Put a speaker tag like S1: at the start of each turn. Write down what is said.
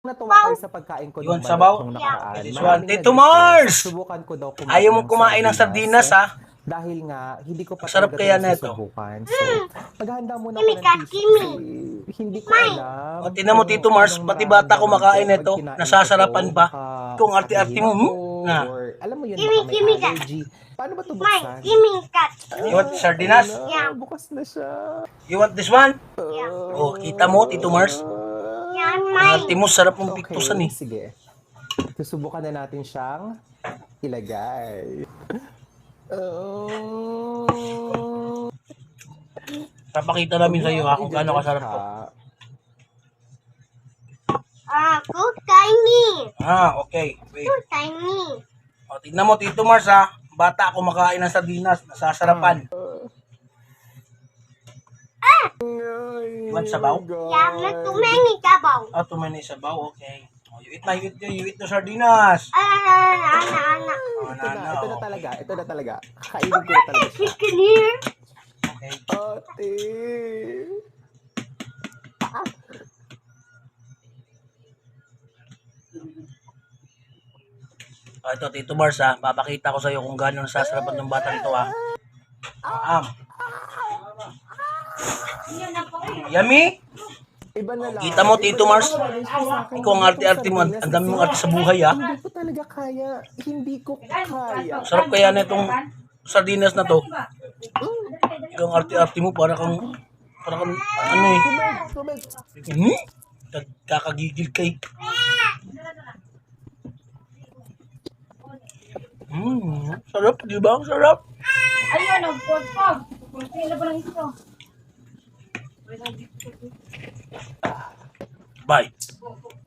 S1: Natuwa kayo sa pagkain ko
S2: Yun,
S1: nung
S2: sabaw.
S1: nung nakaraan.
S2: This one.
S1: Maraming
S2: Tito
S1: nag-request.
S2: Mars!
S1: Subukan ko daw
S2: Ayaw mo kumain ng sardinas, ha?
S1: Dahil nga, hindi ko pa
S2: Ang sarap
S1: talaga
S2: kaya
S1: ito
S2: nito.
S1: susubukan. So, maghahanda muna ako ng tissue kasi hindi ko alam.
S2: O, tingnan mo, Tito Mars,
S1: anong
S2: pati bata
S1: mararamdaman
S2: kumakain
S1: ko pag
S2: nito.
S1: kinain ko
S2: Nasasarapan
S1: to.
S2: ba?
S1: Baka
S2: Kung arte-arte mo,
S1: atakihin ako,
S2: na.
S1: or alam mo yun, baka may allergy. Paano ba ito buksan?
S2: You want sardinas?
S1: Yeah. Bukas na siya.
S2: You want this one?
S1: Uh,
S2: Oh, kita mo, Tito Mars? Ang arte mo, sarap mong piktusan eh.
S1: Sige. Susubukan na natin siyang ilagay.
S2: Papakita namin sa iyo ha kung gaano kasarap to.
S3: Cook tiny.
S2: Okay. Wait.
S3: Cook tiny.
S2: O, tignan mo, Tito Mars ha. Bata kumakain ng sardinas, nasasarapan. You want sabaw?
S3: Yeah, not too many sabaw.
S2: Too many sabaw, okay. Oh, you eat na, you eat the sardinas.
S3: Ana.
S1: Ito na talaga. Ito na talaga. Kainin ko na talaga siya.
S3: Chicken here.
S2: Okay.
S1: Ate.
S2: Ito, Tito Mars ha. Papakita ko sa iyo kung gaano nasasarapan ng batang ito ha. Yummy?
S1: Iba na lang.
S2: Kita mo, Tito Mars? Ikaw ang arte-arte mo. Ang dami mong arte sa buhay ha.
S1: Hindi ko talaga kaya. Hindi ko kaya.
S2: Sarap kaya na itong sardinas na to. Ikaw ang arte-arte mo para kang ano eh. Kakagigil kay. Sarap, di ba? Ang sarap.
S3: Ayun, nagpod-pog. Sila pa lang ito.
S2: Bye.